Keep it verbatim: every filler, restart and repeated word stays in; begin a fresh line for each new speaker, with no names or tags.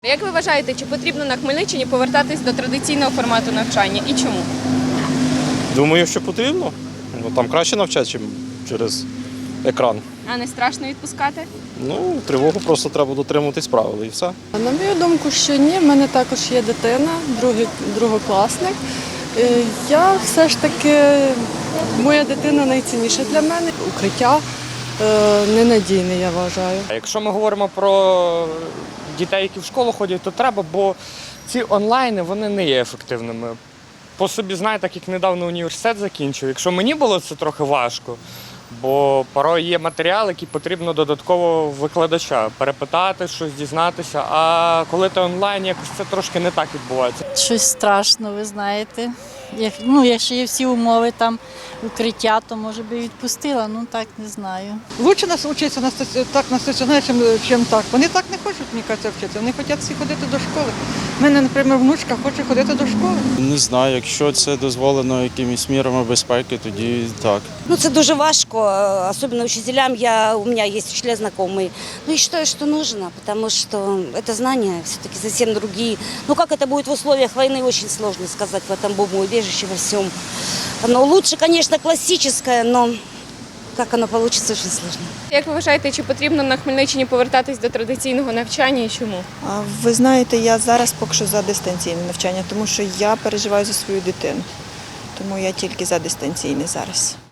Як ви вважаєте, чи потрібно на Хмельниччині повертатись до традиційного формату навчання і чому?
Думаю, що потрібно. Ну, там краще навчати, ніж через екран.
А не страшно відпускати?
Ну, тривогу просто треба дотримуватись правил і все.
На мою думку, що ні. В мене також є дитина, другий, другокласник. Е, Я все ж таки, моя дитина найцінніша для мене. Укриття е, ненадійне, я вважаю.
А якщо ми говоримо про дітей, які в школу ходять, то треба, бо ці онлайни вони не є ефективними. По собі знаю, так як недавно університет закінчив. Якщо мені було це трохи важко, бо порой є матеріал, який потрібно додатково викладача перепитати, щось дізнатися. А коли ти онлайн, якось це трошки не так відбувається.
Щось страшно, ви знаєте. Як, ну, якщо є всі умови, там укриття, то може би відпустила, ну так не знаю.
Лучше нас вчитися на стаці- так на стаціонарі, чим, чим так. Вони так не хочуть, мені кажеться, вчитися. Вони хочуть всі ходити до школи. У мене, наприклад, внучка хоче ходити до школи.
Не знаю, якщо це дозволено якимись мірами безпеки, тоді так.
Ну, це дуже важко, особенно учителям. Я, у меня есть учителя знакомые. Ну, я считаю, что нужно, потому что это знания все-таки совсем другие. Ну, как это будет в условиях войны, очень сложно сказать в этом бомбоубежище, во всем. Оно лучше, конечно, классическое, но как оно получится, очень сложно.
Як ви вважаєте, чи потрібно на Хмельниччині повертатись до традиційного навчання і чому?
А ви знаєте, я зараз поки що за дистанційне навчання, тому що я переживаю за свою дитину. Тому я тільки за дистанційне зараз.